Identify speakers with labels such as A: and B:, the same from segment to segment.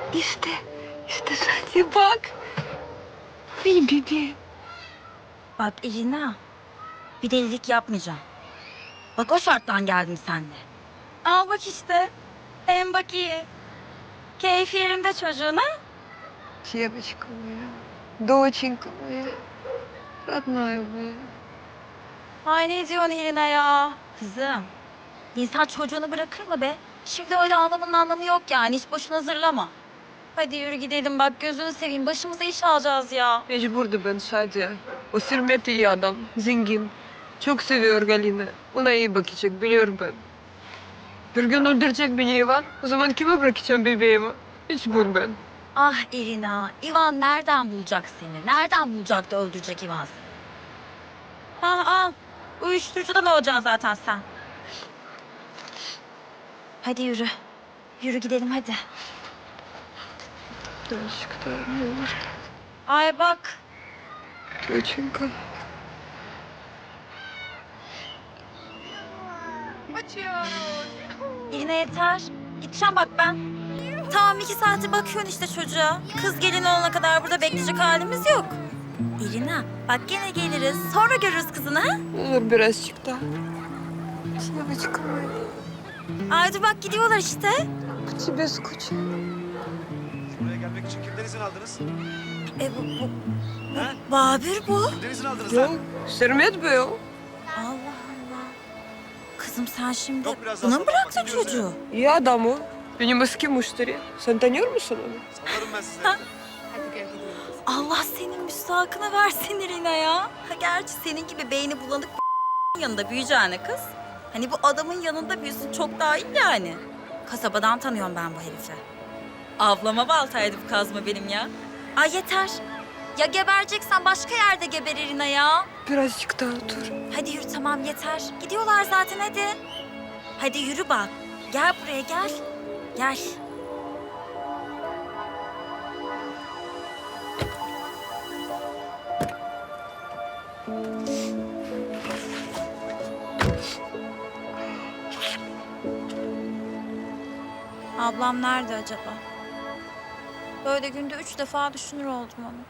A: İşte, işte sadece bak. Benim bebeğim.
B: Bak Elina, bir delilik yapmayacağım. Bak o şarttan geldim seninle. Al bak işte. Hem bak iyi. Keyfi yerinde çocuğuna.
A: Девочка моя, доченька моя, родная моя.
B: Ay ne diyorsun Elina ya? Kızım, insan çocuğunu bırakır mı be? Şimdi öyle ağlamanın anlamı yok yani. Hiç boşuna hazırlama. Hadi yürü gidelim bak gözünü seveyim. Başımıza iş alacağız ya.
A: Mecburdu ben Şadiye. O Sirmet iyi adam, zengin. Çok seviyor Galina. Ona iyi bakacak, biliyorum ben. Bir gün öldürecek beni Ivan. O zaman kime bırakacağım bebeğimi? Mecbur ben.
B: Ah Elina, Ivan nereden bulacak seni? Nereden bulacak da öldürecek Ivan seni? Al. Uyuşturucudan olacaksın zaten sen. Hadi yürü. Yürü gidelim hadi.
A: Дочка моя,
B: Ay bak.
A: доченька.
B: Elina yeter. Gideceğim bak ben. Tamam 2 saati bakıyorsun işte çocuğa. Kız gelin olana kadar burada bekleyecek halimiz yok. Elina bak gene geliriz. Sonra görürüz kızını ha.
A: Olur birazcık daha. Девочка моя,
B: Ay dur bak gidiyorlar işte.
A: по тебе скучаю.
C: Buraya gelmek için kimden izin aldınız?
B: Bu
C: Ha?
B: Babür bu.
C: Kimden izin aldınız
A: Yok,
C: lan?
A: Sermet Bey o.
B: Allah Allah. Kızım sen şimdi
C: Yok, biraz
B: buna
C: daha
B: mı
C: sonra
B: bıraktın
C: bakın,
B: çocuğu?
A: İyi adam o. Benim eski müşteri. Sen tanıyor musun onu?
C: Salarım ben size.
B: Allah senin müstahakını versin Irina ya. Ha, gerçi senin gibi beyni bulanık yanında büyüyeceğine kız. Hani bu adamın yanında büyüsün çok daha iyi yani. Kasabadan tanıyorum ben bu herifi. Ablama baltaydı bu kazma benim ya. Ay yeter. Ya gebereceksen başka yerde geber Irina ya.
A: Birazcık daha otur.
B: Hadi yürü tamam yeter. Gidiyorlar zaten hadi. Hadi yürü bak. Gel buraya gel. Gel. Ablam nerede acaba? Böyle günde 3 defa düşünür oldum onu.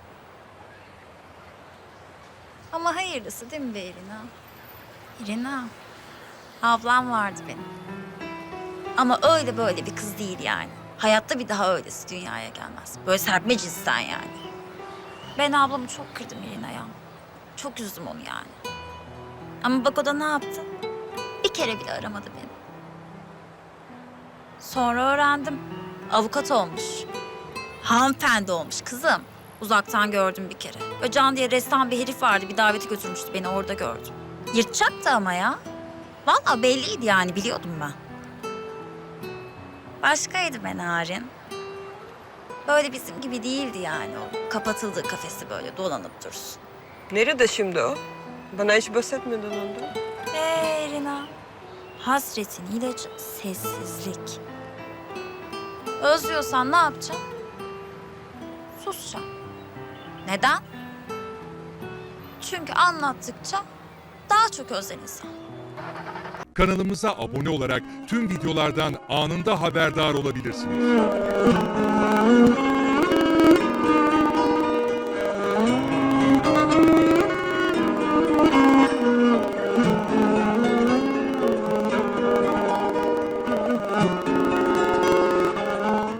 B: Ama hayırlısı değil mi be Irina? Irina, ablam vardı benim. Ama öyle böyle bir kız değil yani. Hayatta bir daha öylesi dünyaya gelmez. Böyle serpme cinsten yani. Ben ablamı çok kırdım Irina ya. Çok üzdüm onu yani. Ama bak o da ne yaptı? Bir kere bile aramadı beni. Sonra öğrendim. Avukat olmuş. Hanımefendi olmuş kızım. Uzaktan gördüm bir kere. Böyle Can diye ressam bir herif vardı. Bir davete götürmüştü beni orada gördüm. Yırtacaktı ama ya. Vallahi belliydi yani biliyordum ben. Başkaydı be Narin. Böyle bizim gibi değildi yani o. Kapatıldığı kafesi böyle dolanıp dursun.
A: Nerede şimdi o? Bana hiç bahsetmedin ondan.
B: Rina. Hasretin ilacı sessizlik. Özlüyorsan ne yapacaksın? Susacaksın. Neden? Çünkü anlattıkça daha çok özler insan.
D: Kanalımıza abone olarak tüm videolardan anında haberdar olabilirsiniz.